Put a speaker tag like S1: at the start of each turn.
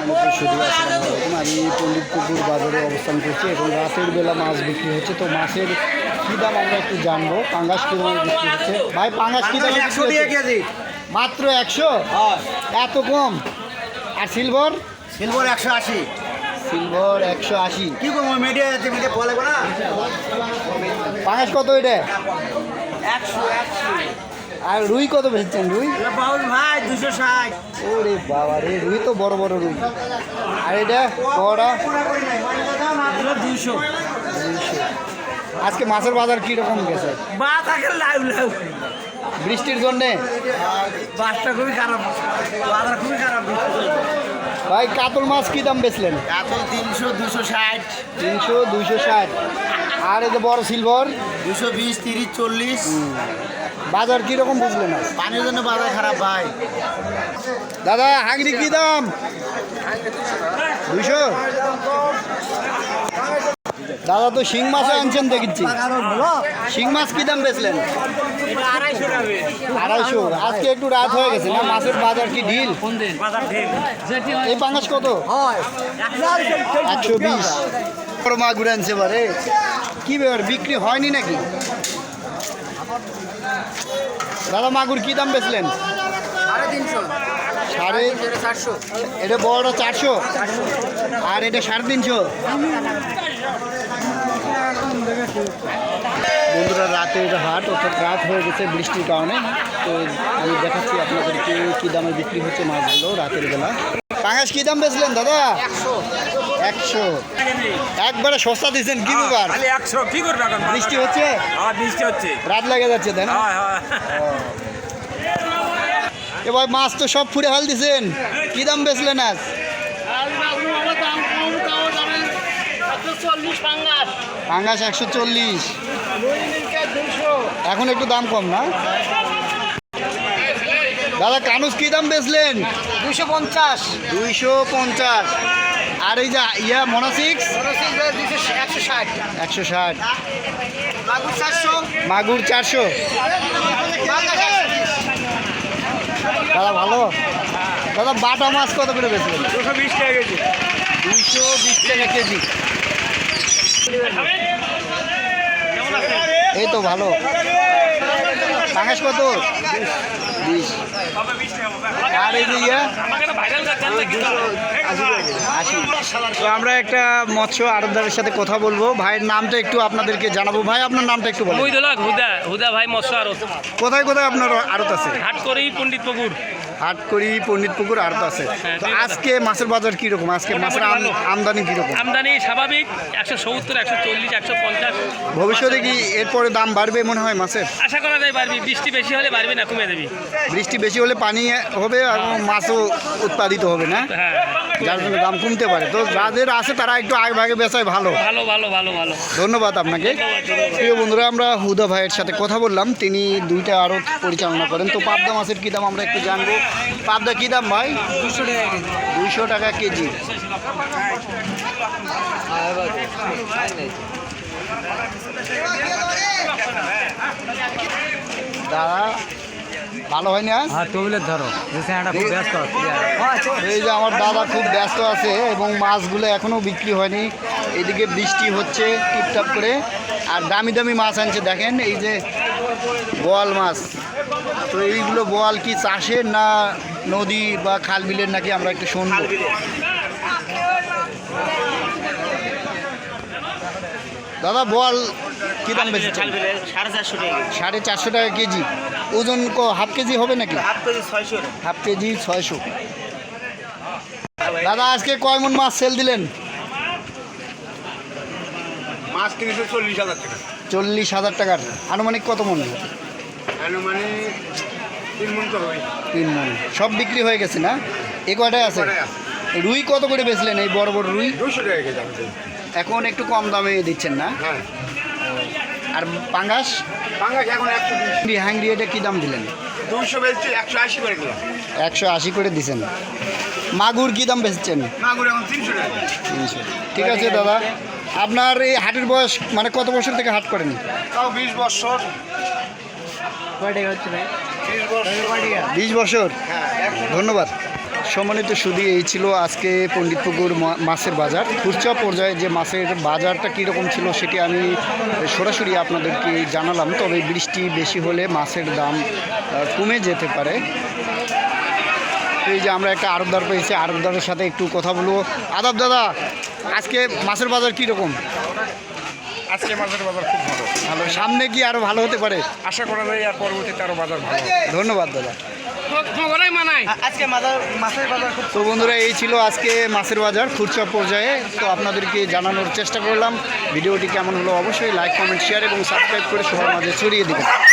S1: শুধু আসসালামু আলাইকুম। আমি পণ্ডিতপুকুর বাজারে অবস্থান করছি এবং রাতের বেলা মাছ বিক্রি হচ্ছে। তো মাছের কী দাম আমরা একটু জানবো। পাঙ্গাস কী দামে বিক্রি হচ্ছে? ভাই পাঙ্গাস কী দামে বিক্রি হচ্ছে? মাত্র 100? এত কম? আর সিলভার?
S2: সিলভার 180।
S1: সিলভার 180।
S2: কি করবো মিডিয়া বলে না।
S1: পাঙ্গাস কত এটা?
S2: 180।
S1: আর রুই কত বেচছেন? রুই
S2: বাউল ভাই 260।
S1: ওরে বাবা রে, রুই তো বড় বড় রুই। আর এটা বড়া
S2: 200।
S1: আজকে মাছের বাজার কীরকম গেছে? বৃষ্টির জন্যে
S2: বাসটা খুবই খারাপ, বাজার খুবই খারাপ।
S1: ভাই কাতল মাছ কী দাম বেচলেন?
S2: কাতল 300, 260।
S1: 300, 260। আর এই যে বড় সিলভার
S2: 220, 30, 40।
S1: বাজার কীরকম বুঝলেন?
S2: পানির জন্য বাজার খারাপ ভাই।
S1: দাদা হাঁগড়ি কী দাম? 200। দাদা তো শিং মাছও আনছেন দেখেছি। শিং মাছ কী দাম বেচলেন? 250। আজকে একটু রাত হয়ে গেছে না, মাছের বাজার কি ঢিল? এই পাঙ্গাস কত? 120। বড় মাগুর আনছে এবারে। কী ব্যাপার, বিক্রি হয়নি নাকি? দাদা মাগুর কী দাম বেচলেন? 450। এটা বড়টা 400 আর এটা 350। বন্ধুরা রাতের হাট, অর্থাৎ রাত হয়ে গেছে বৃষ্টির কারণে। তো আমি দেখাচ্ছি আপনাদেরকে কী দামে বিক্রি হচ্ছে মাছগুলো রাতের বেলা। পাঙ্গাস কী দাম বেচলেন দাদা? 100। একবারে সস্তা দিচ্ছেন, কি ব্যাপার?
S3: 100 কি করবে এখন?
S1: বৃষ্টি হচ্ছে?
S3: বৃষ্টি হচ্ছে,
S1: রাত লেগে যাচ্ছে তাই না? এবার মাছ তো সব ফুড়ে হাল দিছেন, কি দাম বেচলেন আজ? পাঙ্গাস 140। এখন একটু দাম কম না দাদা? কানুস কি দাম বেচলেন?
S2: 250।
S1: 250। আর এই যে ইয়া মোনাসিক্স
S2: 160।
S1: 160।
S2: মাগুর 400।
S1: মাগুর 400। দাদা ভালো। দাদা বাটা মাছ কত করে বেচলেন?
S3: 220 টাকা কেজি।
S1: 220 টাকা কেজি। এই তো ভালো। পাঙ্গাস কত? 20। আর এই যে ইয়া 80। তো আমরা একটা মৎস্য আড়তদারের সাথে কথা বলবো। ভাইয়ের নামটা একটু আপনাদেরকে জানাবো। ভাই আপনার নামটা একটু বলুন।
S3: হুদা ভাই মৎস্য আড়ত।
S1: কোথায় কোথায় আপনার আড়ত আছে?
S3: হাটকড়ি, পণ্ডিতপুকুর।
S1: হাটকড়ি, পণ্ডিতপুকুর আড়ত আছে। তো আজকে মাছের বাজার কীরকম? আজকে মাছের আমদানি কীরকম?
S3: আমদানি স্বাভাবিক 170, 140, 150।
S1: ভবিষ্যতে কি এরপরে দাম বাড়বে মনে হয় মাছের?
S3: আশা করা যায় বাড়বি, বৃষ্টি বেশি হলে বাড়বে না, কমে দেবি।
S1: বৃষ্টি বেশি হলে পানি হবে আর মাছও উৎপাদিত হবে না,
S3: হ্যাঁ,
S1: যার জন্য দাম কমতে পারে। তো যাদের আছে তারা একটু আগে ভাগে বেচায় ভালো।
S3: ভালো ভালো ভালো ভালো।
S1: ধন্যবাদ আপনাকে। প্রিয় বন্ধুরা, আমরা হুদা ভাইয়ের সাথে কথা বললাম, তিনি দুইটা আড়ত পরিচালনা করেন। তো পাবদা মাছের কী দাম আমরা একটু জানবো। পাবদা কী দাম ভাই? 200 টাকা কেজি। দাদা ভালো হয় না?
S2: ধরো
S1: এই যে আমার দাদা খুব ব্যস্ত আছে এবং মাছগুলো এখনও বিক্রি হয়নি। এদিকে বৃষ্টি হচ্ছে টিপটাপ করে, আর দামি দামি মাছ আনছে দেখেন, এই যে বোয়াল মাছ। তো এইগুলো বোয়াল কি চাষের না নদী বা খাল বিলের নাকি আমরা একটু শুনবো। দাদা বোয়াল কী দাম বেশি? 450 টাকা কেজি। ওজন হাফ কেজি হবে নাকি? Half KG 600। দাদা আজকে কয় মন মাছ সেল দিলেন?
S3: মাছ কিনেছে 40,000 টাকা।
S1: 40,000 টাকার। আনুমানিক কত মন?
S3: মানে 3 মণ তো হয়।
S1: 3 মন। সব বিক্রি হয়ে গেছে না? এ কয়টাই আছে? রুই কত করে বেচলেন? এই বড় বড় রুই
S3: 200 টাকা কেজি।
S1: এখন একটু কম দামে দিচ্ছেন না?
S3: হ্যাঁ।
S1: আর পাঙ্গাস?
S3: পাঙ্গাস এখন 120।
S1: হ্যাংরি এটা কী দাম দিলেন?
S3: 200 বেচছি, 180 করে দিলাম।
S1: 180 করে দিছেন। মাগুর কী দাম বেচছেন?
S3: মাগুর এখন 300 টাকা।
S1: 300। ঠিক আছে দাদা। আপনার এই হাটের বয়স মানে কত বছর থেকে হাট করেন?
S3: তাও 20 বছর।
S2: কয় টাকা হচ্ছে ভাই?
S3: 30 বছর।
S1: 20 বছর।
S3: হ্যাঁ,
S1: ধন্যবাদ। সম্মানিত সুধী, এই ছিল আজকে পণ্ডিতপুকুর মাছের বাজার। খুচরা পর্যায়ে যে মাছের বাজারটা কীরকম ছিল সেটি আমি সরাসরি আপনাদেরকে জানালাম। তবে বৃষ্টি বেশি হলে মাছের দাম কমে যেতে পারে। তো এই যে আমরা একটা আড়তদার পেয়েছি, আড়তদারের সাথে একটু কথা বলবো। আদাব দাদা, আজকে মাছের বাজার কীরকম?
S3: আজকে মাছের বাজার খুব ভালো।
S1: ভালো, সামনে কি আরও ভালো হতে পারে?
S3: আশা করা যায় আর পরবর্তীতে আরও বাজার ভালো।
S1: ধন্যবাদ দাদা।
S2: আজকে মাছের বাজার খুব
S1: তো বন্ধুরা, এই ছিল আজকে মাছের বাজার খুচরা পর্যায়ে। তো আপনাদেরকে জানানোর চেষ্টা করলাম। ভিডিওটি কেমন হলো অবশ্যই লাইক, কমেন্ট, শেয়ার এবং সাবস্ক্রাইব করে সবার মাঝে ছড়িয়ে দেবেন।